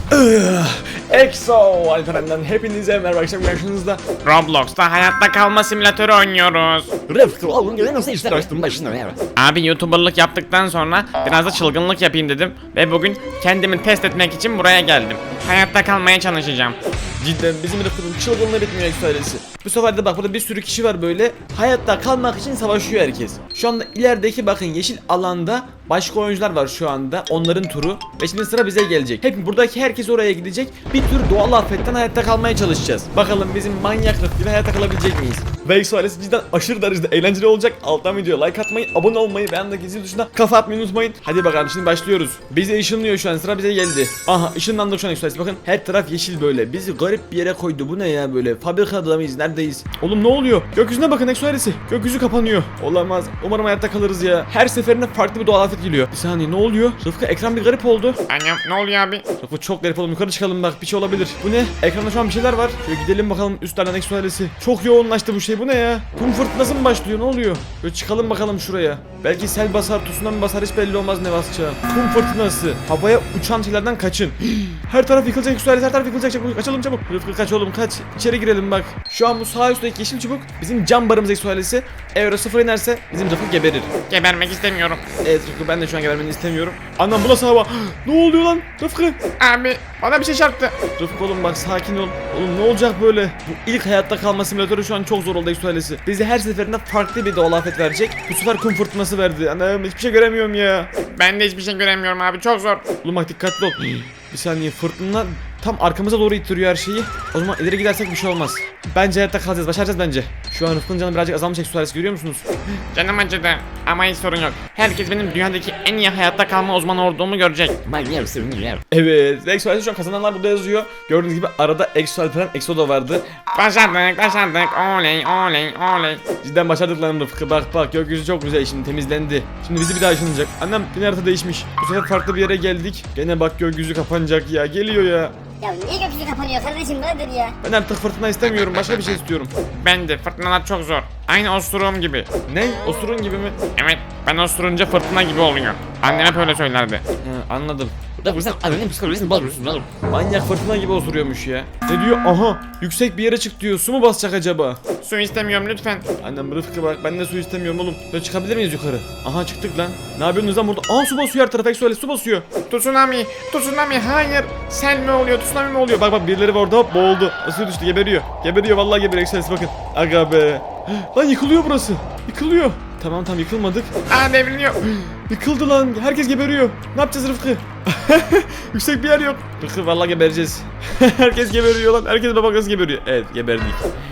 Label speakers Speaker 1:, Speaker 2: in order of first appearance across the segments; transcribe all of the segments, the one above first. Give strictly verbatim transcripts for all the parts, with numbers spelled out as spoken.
Speaker 1: Exo Alperen'den hepinize merhaba, akşam karşınızda
Speaker 2: Roblox'ta hayatta kalma simülatörü oynuyoruz.
Speaker 3: Rıfkı oğlum gene nasıl işler açtın başına ya?
Speaker 2: Abi YouTuber'lık yaptıktan sonra biraz da çılgınlık yapayım dedim ve bugün kendimi test etmek için buraya geldim. Hayatta kalmaya çalışacağım.
Speaker 1: cidden bizim Rıfkı'nın çılgınlığı bitmiyor Exo ailesi. Bu sefer de bak burada bir sürü kişi var böyle hayatta kalmak için savaşıyor herkes. Şu anda ilerideki bakın yeşil alanda başka oyuncular var şu anda, onların turu ve şimdi sıra bize gelecek. Hep buradaki herkes oraya gidecek. Bir tür doğal afetten hayatta kalmaya çalışacağız. Bakalım bizim manyak Rıfkı'yla hayatta kalabilecek miyiz? Ve Exo ailesi cidden aşırı derecede eğlenceli olacak. Alttan videoya like atmayı, abone olmayı ve yanındaki zil tuşuna kafa atmayı unutmayın. Hadi bakalım şimdi başlıyoruz. Bize ışınlıyor şu an, sıra bize geldi. Aha ışınlandık şu an Exo ailesi, bakın her taraf yeşil böyle. Bizi garip bir yere koydu. Bu ne ya böyle? Fabrikada mıyız? Neredeyiz? Oğlum ne oluyor? Gökyüzüne bakın Exo ailesi. Gökyüzü kapanıyor. Olamaz. Umarım hayatta kalırız ya. Her seferinde farklı bir doğal afet geliyor. Bir saniye ne oluyor? Rıfkı ekran bir garip oldu.
Speaker 2: Annem ne oluyor abi?
Speaker 1: Rıfkı çok garip oldu. Yukarı çıkalım bak, bir şey olabilir. Bu ne? Ekranda şu an bir şeyler var. Şöyle gidelim bakalım üstlerden Exo ailesi. Çok yoğunlaştı bu şey. Bu ne ya? Kum fırtınası mı başlıyor? Ne oluyor? Böyle çıkalım bakalım şuraya. Belki sel basar, tsunami basar, hiç belli olmaz ne basacağı. Kum fırtınası. Havaya uçan şeylerden kaçın. Her taraf yıkılacak Exo ailesi. Her taraf yıkılacak. Çabuk kaçalım çabuk. Rıfkı kaç oğlum kaç. İçeri girelim bak. Şu an bu sağ üstteki yeşil çubuk bizim cam barımız Exo ailesi. Eğer o sıfır inerse bizim Rıfkı geberir.
Speaker 2: Gebermek istemiyorum.
Speaker 1: Evet Rıfkı, ben de şu an gebermeni istemiyorum. Anam bu nasıl hava? Ne oluyor lan Rıfkı?
Speaker 2: Abi bana bir şey çarptı.
Speaker 1: Rıfkı oğlum bak sakin ol. Oğlum ne olacak böyle? Bu ilk hayatta kalma simülatörü şu an çok zor oldu Exo ailesi. Bize her seferinde farklı bir doğal afet verecek. Bu sefer kum fırtınası verdi. Anam hiçbir şey göremiyorum ya.
Speaker 2: Ben de hiçbir şey göremiyorum abi, çok zor.
Speaker 1: Oğlum bak dikkatli ol. Bir saniye, fırtına tam arkamıza doğru ittiriyor her şeyi. O zaman ileri gidersek bir şey olmaz. Bence hayatta kalacağız, başaracağız bence. Şu an Rıfkı'nın canı birazcık azalmış Exo ailesi, görüyor musunuz?
Speaker 2: Canım acıdı ama hiç sorun yok. Herkes benim dünyadaki en iyi hayatta kalma uzmanı olduğumu görecek.
Speaker 3: Manyak sürünüyor.
Speaker 1: Evet, Exo ailesi şu an kazananlar burada yazıyor. Gördüğünüz gibi arada Exo Alperen, Exo da vardı.
Speaker 2: Başardık başardık, oley oley oley.
Speaker 1: Cidden başardık lan Rıfkı, bak bak gökyüzü çok güzel, şimdi temizlendi. Şimdi bizi bir daha ışınlayacak. Annem yine harita değişmiş. Bu sefer farklı bir yere geldik. Gene bak gökyüzü kapanacak ya, geliyor ya.
Speaker 4: Ya niye gökyüzü kapanıyor kardeşim, nedir ya?
Speaker 1: Ben artık fırtına istemiyorum, başka bir şey istiyorum.
Speaker 2: Ben de, fırtınalar çok zor. Aynı osuruğum gibi.
Speaker 1: Ne? Osurun gibi mi?
Speaker 2: Evet, ben osurunca fırtına gibi oluyor. Annem hep öyle söylerdi.
Speaker 1: He, anladım.
Speaker 3: Rıfkı sen annenin psikolojisini bozmuşsun oğlum.
Speaker 1: Manyak fırtına gibi osuruyormuş ya. Ne diyor? Aha, yüksek bir yere çık diyor. Su mu basacak acaba?
Speaker 2: Su istemiyorum lütfen.
Speaker 1: Annem Rıfkı bak, ben de su istemiyorum oğlum. Böyle çıkabilir miyiz yukarı? Aha çıktık lan. Ne yapıyorsunuz lan burada? Aa su basıyor her tarafa, Exo ailesi su basıyor.
Speaker 2: Tsunami, tsunami, hayır. Sel mi oluyor, tsunami mi oluyor?
Speaker 1: Bak bak birileri var orada, hop boğuldu. Nasıl düştü, geberiyor. Geberiyor vallahi, geberiyor Exo ailesi, bakın. Aga be. Lan yıkılıyor burası. Yıkılıyor. Tamam tamam yıkılmadık.
Speaker 2: Aa, devriliyor.
Speaker 1: Yıkıldı lan. Herkes geberiyor. Ne yapacağız Rıfkı? Yüksek bir yer yok. Rıfkı vallahi gebereceğiz. Herkes geberiyor lan. Herkes bak nasıl geberiyor. Evet geberdik.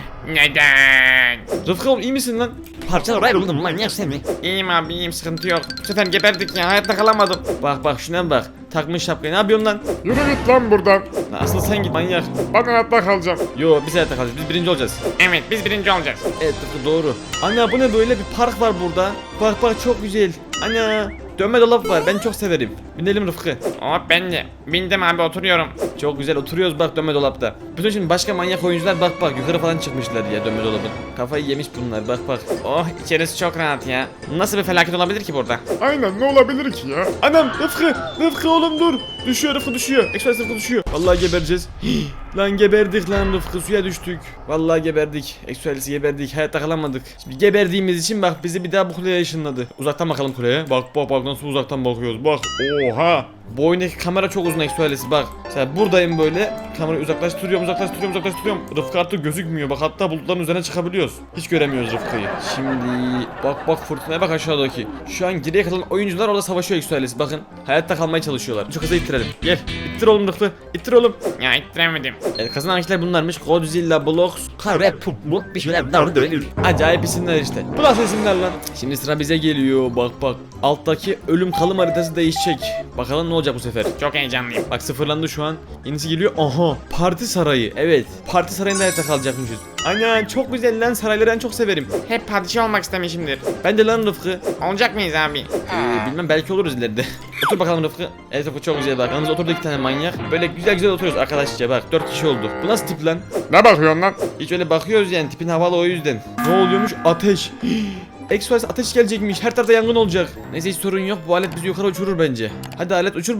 Speaker 2: Neden?
Speaker 1: Rıfkı oğlum iyi misin lan?
Speaker 3: Parçalar ayrıldım manyak sen mi?
Speaker 2: İyiyim abi, iyiyim, sıkıntı yok. Bu sefer geberdik ya, hayatta kalamadım.
Speaker 1: Bak bak şuna bak. Takmış şapkayı. Ne yapıyorsun lan?
Speaker 2: Yürü git lan buradan.
Speaker 1: Lan asıl sen git manyak.
Speaker 2: Ben hayatta kalacağım.
Speaker 1: Yo biz hayatta kalacağız. Biz birinci olacağız.
Speaker 2: Evet, biz birinci olacağız.
Speaker 1: Evet Rıfkı doğru. Anne bu ne böyle, bir park var burada. Bak bak çok güzel. Anne dönme dolap var. Ben çok severim. Binelim Rıfkı.
Speaker 2: Hop, ben de. Bindim abi, oturuyorum.
Speaker 1: Çok güzel oturuyoruz bak dönme dolapta. Bütün şimdi başka manyak oyuncular bak bak yukarı falan çıkmışlar ya dönme dolabın. Kafayı yemiş bunlar, bak bak.
Speaker 2: Oh, içerisi çok rahat ya. Nasıl bir felaket olabilir ki burada?
Speaker 1: Aynen, ne olabilir ki ya? Anam Rıfkı, Rıfkı oğlum dur. Düşüyor Rıfkı, düşüyor. Express Rıfkı düşüyor. Vallahi gebereceğiz. Lan geberdik lan Rıfkı, suya düştük. Vallahi geberdik. Express geberdik, hayatta kalamadık. Şimdi geberdiğimiz için bak bizi bir daha bu kuleye ışınladı. Uzaktan bakalım kuleye. Bak bak bak nasıl uzaktan bakıyoruz, bak. Oha. Bu oyundaki kamera çok uzun Express, bak. Mesela buradayım böyle. Kamerayı uzaklaştırıyorum, uzaklaştırıyorum, uzaklaştırıyorum. Rıfkı artık gözükmüyor. Bak hatta bulutların üzerine çıkabiliyoruz. Hiç göremiyoruz Rıfkı'yı. Şimdi bak bak fırtınaya bak aşağıdaki. Şu an geriye kalan oyuncular orada savaşıyor Express. Bakın hayatta kalmaya çalışıyorlar. Çok hızlı ittirelim. Gel. İttir oğlum Rıfkı. İttir oğlum.
Speaker 2: Ya ittiremedim.
Speaker 1: Evet, kazanan kişiler bunlarmış. Godzilla, Blox.
Speaker 3: Kare pup mut bir şeyler dar dönür.
Speaker 1: Acayip isimler işte. Bu nasıl isimler lan? Şimdi sıra bize geliyor. Bak bak. Alttaki ölüm kalım haritası değişecek. Bakalım ne olacak bu sefer.
Speaker 2: Çok heyecanlıyım.
Speaker 1: Bak sıfırlandı şu an. Yenisi geliyor. Aha. Parti sarayı. Evet. Parti sarayında hayatta kalacakmışız. Aynen çok güzel lan, sarayları ben çok severim.
Speaker 2: Hep padişah olmak istemişimdir.
Speaker 1: Ben de lan Rıfkı.
Speaker 2: Olacak mıyız abi?
Speaker 1: Ee, bilmem belki oluruz ileride. Otur bakalım Rıfkı. Evet Rıfkı çok güzel bak. Yanımızda oturdu iki tane manyak. Böyle güzel güzel oturuyoruz arkadaşça bak. Dört kişi olduk. Bu nasıl tip lan?
Speaker 2: Ne bakıyorsun lan?
Speaker 1: Hiç öyle bakıyoruz yani, tipin havalı o yüzden. Ne oluyormuş? Ateş. Express ateş gelecekmiş. Her tarafta yangın olacak. Neyse hiç sorun yok. Bu alet bizi yukarı uçurur bence. Hadi alet uçur bizi.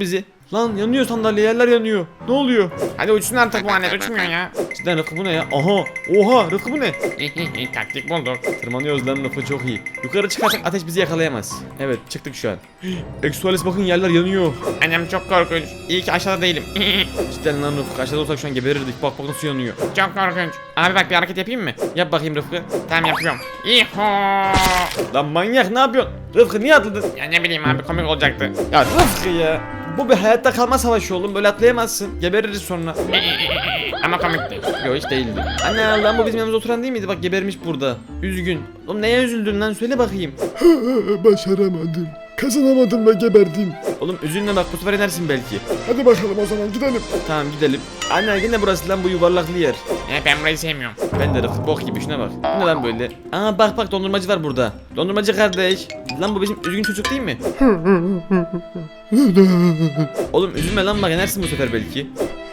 Speaker 1: Lan yanıyor sandalye, yerler yanıyor. Ne oluyor?
Speaker 2: Hadi uçsun artık bu alet uçmuyor ya.
Speaker 1: Cidden Rıfkı bu ne ya? Aha. Oha Rıfkı bu ne?
Speaker 2: Taktik bulduk.
Speaker 1: Tırmanıyoruz lan, Rıfkı çok iyi. Yukarı çıkarsak ateş bizi yakalayamaz. Evet çıktık şu an. Exoales bakın yerler yanıyor.
Speaker 2: Annem çok korkunç. İyi ki aşağıda değilim.
Speaker 1: Cidden lan Rıfkı, aşağıda olsak şu an geberirdik. Bak bak nasıl yanıyor.
Speaker 2: Çok korkunç. Abi bak bir hareket yapayım mı?
Speaker 1: Yap bakayım Rıfkı.
Speaker 2: Tamam yapıyorum. İho.
Speaker 1: Lan manyak ne yapıyorsun? Rıfkı niye atladın?
Speaker 2: Ya ne bileyim abi komik olacaktı.
Speaker 1: Ya Rıfkı ya. Bu bir hayatta kalma savaşı oğlum. Böyle atlayamazsın. Gebeririz sonra.
Speaker 2: Ama komikti.
Speaker 1: Yok hiç değildi. Anne lan bu bizim yanımızda oturan değil miydi? Bak gebermiş burada. Üzgün. Oğlum neye üzüldün lan? Söyle bakayım.
Speaker 5: Başaramadım. Kazanamadım ve geberdim.
Speaker 1: Oğlum üzülme bak, bu sefer inersin belki.
Speaker 5: Hadi bakalım o zaman gidelim.
Speaker 1: Tamam gidelim. Anne yine burası lan, bu yuvarlaklı yer.
Speaker 2: Ya ben burayı sevmiyorum.
Speaker 1: Ben de Rıfkı bok gibi, şuna bak. Bu ne lan böyle? Aa bak bak, dondurmacı var burada. Dondurmacı kardeş. Lan bu bizim üzgün çocuk değil mi? Oğlum üzülme lan, bak inersin bu sefer belki.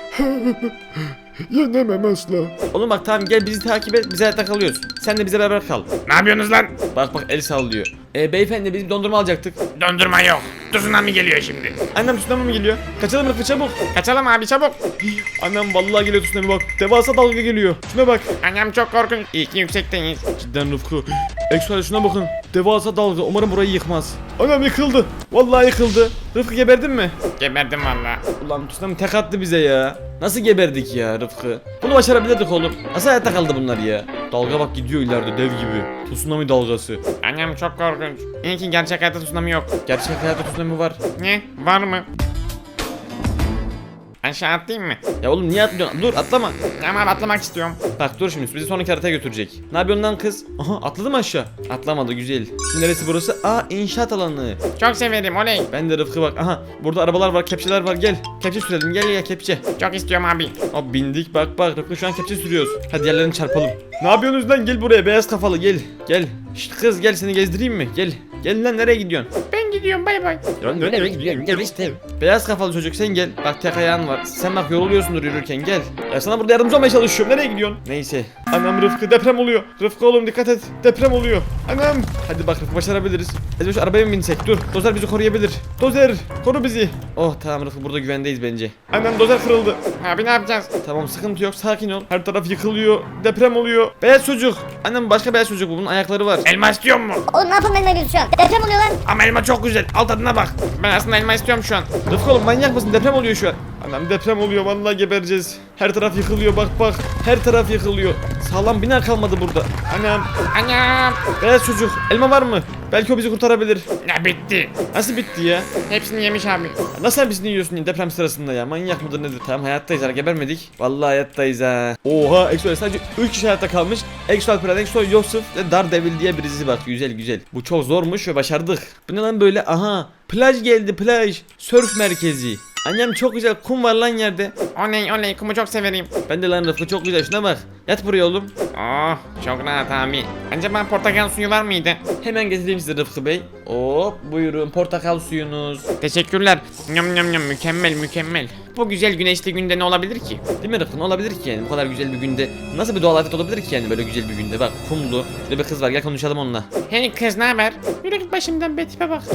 Speaker 5: Yenemem asla.
Speaker 1: Oğlum bak tamam gel bizi takip et, biz hayatta kalıyoruz. Sen de bize beraber kal.
Speaker 2: Ne yapıyorsunuz lan?
Speaker 1: Bak bak el sallıyor. E beyefendi biz bir dondurma alacaktık.
Speaker 2: Dondurma yok. Tsunami geliyor şimdi.
Speaker 1: Annem tsunami mi geliyor? Kaçalım Rıfkı çabuk.
Speaker 2: Kaçalım abi çabuk.
Speaker 1: Annem vallahi geliyor tsunami bak. Devasa dalga geliyor. Şuna bak.
Speaker 2: Annem çok korkunç. İyi ki yüksekteyiz.
Speaker 1: Cidden Rıfkı. Exoale şuna bakın. Devasa dalga. Umarım burayı yıkmaz. Annem yıkıldı. Vallahi yıkıldı. Rıfkı geberdin mi?
Speaker 2: Geberdim valla.
Speaker 1: Ulan tsunami tek attı bize ya. Nasıl geberdik ya Rıfkı? Bunu başarabilirdik oğlum. Nasıl hayatta kaldı bunlar ya? Dalga bak gidiyor ileride dev gibi. Tsunami dalgası.
Speaker 2: Annem çok korkunç. İyi ki gerçek hayatta tsunami yok.
Speaker 1: Gerçek hayatta tsunami var.
Speaker 2: Ne? Var mı? Aşağı atlayayım mı?
Speaker 1: Ya oğlum niye atlıyorsun? Dur atlama.
Speaker 2: Ama atlamak istiyorum.
Speaker 1: Bak dur şimdi bizi sonraki haritaya götürecek. Ne yapıyorsun lan kız? Aha atladı mı aşağı? Atlamadı, güzel. Şimdi neresi burası? Aa inşaat alanı.
Speaker 2: Çok severim oley.
Speaker 1: Ben de Rıfkı bak. Aha burada arabalar var, kepçeler var, gel. Kepçe sürelim, gel ya kepçe.
Speaker 2: Çok istiyorum abi.
Speaker 1: Hop bindik, bak bak Rıfkı şu an kepçe sürüyoruz. Hadi yerlerini çarpalım. Ne yapıyorsunuz lan, gel buraya beyaz kafalı gel. Gel. Şşt kız gel, seni gezdireyim mi? Gel. Gel lan, nereye gidiyorsun?
Speaker 2: Ben gidiyorum bay bay.
Speaker 3: Ben de nereye gidiyorum? Gel işte.
Speaker 1: Beyaz kafalı çocuk sen gel. Bak tek ayağın var. Sen bak yoruluyorsundur yürürken, gel. Ya sana burada yardımcı olmaya çalışıyorum. Nereye gidiyorsun? Neyse. Anam Rıfkı deprem oluyor. Rıfkı oğlum dikkat et. Deprem oluyor. Anam. Hadi bak Rıfkı başarabiliriz. Ezbe şu arabaya mı binsek? Dur. Dozer bizi koruyabilir. Dozer koru bizi. Oh tamam Rıfkı, burada güvendeyiz bence. Anam dozer kırıldı.
Speaker 2: Abi ne yapacağız?
Speaker 1: Tamam sıkıntı yok, sakin ol. Her taraf yıkılıyor. Deprem oluyor. Beyaz çocuk. Annem başka beyaz çocuk bu. Bunun ayakları var.
Speaker 2: Elma istiyor mu?
Speaker 4: Oğlum ne yapalım elma gözü şu an? Deprem oluyor lan.
Speaker 2: Ama elma çok güzel. Al tadına bak. Ben aslında elma istiyorum şu an.
Speaker 1: Rıfkı oğlum manyak mısın? Deprem oluyor şu an. Anam deprem oluyor, vallahi gebereceğiz. Her taraf yıkılıyor, bak bak. Her taraf yıkılıyor. Sağlam bina kalmadı burada. Anam.
Speaker 2: Anam.
Speaker 1: Beyaz çocuk. Elma var mı? Belki o bizi kurtarabilir.
Speaker 2: Ya bitti.
Speaker 1: Nasıl bitti ya?
Speaker 2: Hepsini yemiş abi.
Speaker 1: Nasıl hepsini yiyorsun deprem sırasında ya? Manyak mıdır nedir? Tamam hayattayız, ha gebermedik. Vallahi hayattayız ha. Oha Exo sadece üç kişi hayatta kalmış. Exo Alperen, Exo Yusuf ve Daredevil diye birisi bak. Güzel güzel. Bu çok zormuş ve başardık. Bu ne lan böyle? Aha. Plaj geldi, plaj. Surf merkezi. Annem çok güzel kum var lan yerde.
Speaker 2: Oley oley kumu çok severim.
Speaker 1: Ben de lan Rıfkı çok güzel, şuna bak. Yat buraya oğlum.
Speaker 2: Oh çok rahat abi. Acaba portakal suyu var mıydı?
Speaker 1: Hemen getireyim size Rıfkı Bey. Hop buyurun portakal suyunuz.
Speaker 2: Teşekkürler. Nyam nyam nyam mükemmel mükemmel. Bu güzel güneşli günde ne olabilir ki?
Speaker 1: Değil mi Rıfkı? Ne olabilir ki yani bu kadar güzel bir günde? Nasıl bir doğal afet olabilir ki yani böyle güzel bir günde? Bak kumlu. Şurada bir kız var, gel konuşalım onunla.
Speaker 2: Hey kız ne haber? Yürü git başımdan be tipe bak.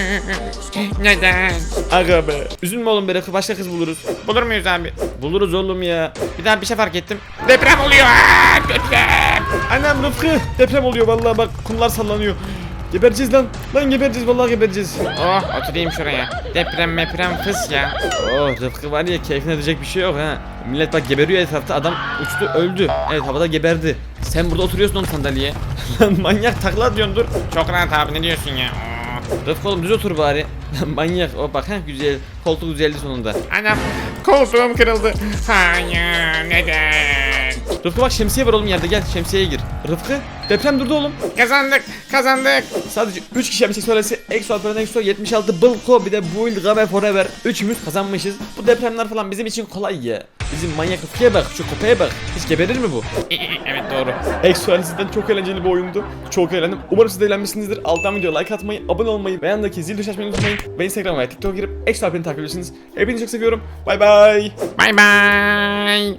Speaker 2: Neden?
Speaker 1: Aga be. Üzülme oğlum be Rıfkı, başka kız buluruz.
Speaker 2: Bulur muyuz abi?
Speaker 1: Buluruz oğlum ya.
Speaker 2: Bir daha bir şey fark ettim. Deprem oluyor. Aa, deprem.
Speaker 1: Annem Rıfkı deprem oluyor vallahi, bak kumlar sallanıyor. Gebereceğiz lan. Lan gebereceğiz, vallahi gebereceğiz.
Speaker 2: Oh oturayım şuraya. Deprem meprem fıs ya.
Speaker 1: Oh Rıfkı var ya, keyfine edecek bir şey yok ha. Millet bak geberiyor etrafta, adam uçtu öldü. Evet havada geberdi. Sen burada oturuyorsun oğlum sandalyeye. Lan manyak takla atıyorsun, dur.
Speaker 2: Çok rahat abi ne diyorsun ya? Oh.
Speaker 1: Rıfkı oğlum düz otur bari. Manyak o bak ha, güzel. Koltuk düzeldi sonunda.
Speaker 2: Anam koltuğum kırıldı. Hayır neden?
Speaker 1: Rıfkı bak şemsiye var oğlum yerde, gel şemsiyeye gir. Rıfkı deprem durdu oğlum.
Speaker 2: Kazandık kazandık.
Speaker 1: Sadece üç kişi yapmıştık, sonrası Exo Alperen, Exo yetmiş altı Bılko, bir de Build Game Forever. Üçümüz kazanmışız. Bu depremler falan bizim için kolay ya. Bizim manyak Rıfkı'ya bak, şu köpeğe bak. Hiç geberir mi bu?
Speaker 2: Evet doğru.
Speaker 1: Exo Alperen çok eğlenceli bir oyundu. Çok eğlendim. Umarım siz de eğlenmişsinizdir. Alttan videoya like atmayı, abone olmayı ve yanındaki zil tuşuna açmayı unutmayın. Ve Instagram ve TikTok'a girip Exo Alperen'i takip ediyorsunuz. Hepinizi çok seviyorum. Bay bay.
Speaker 2: Bye bye.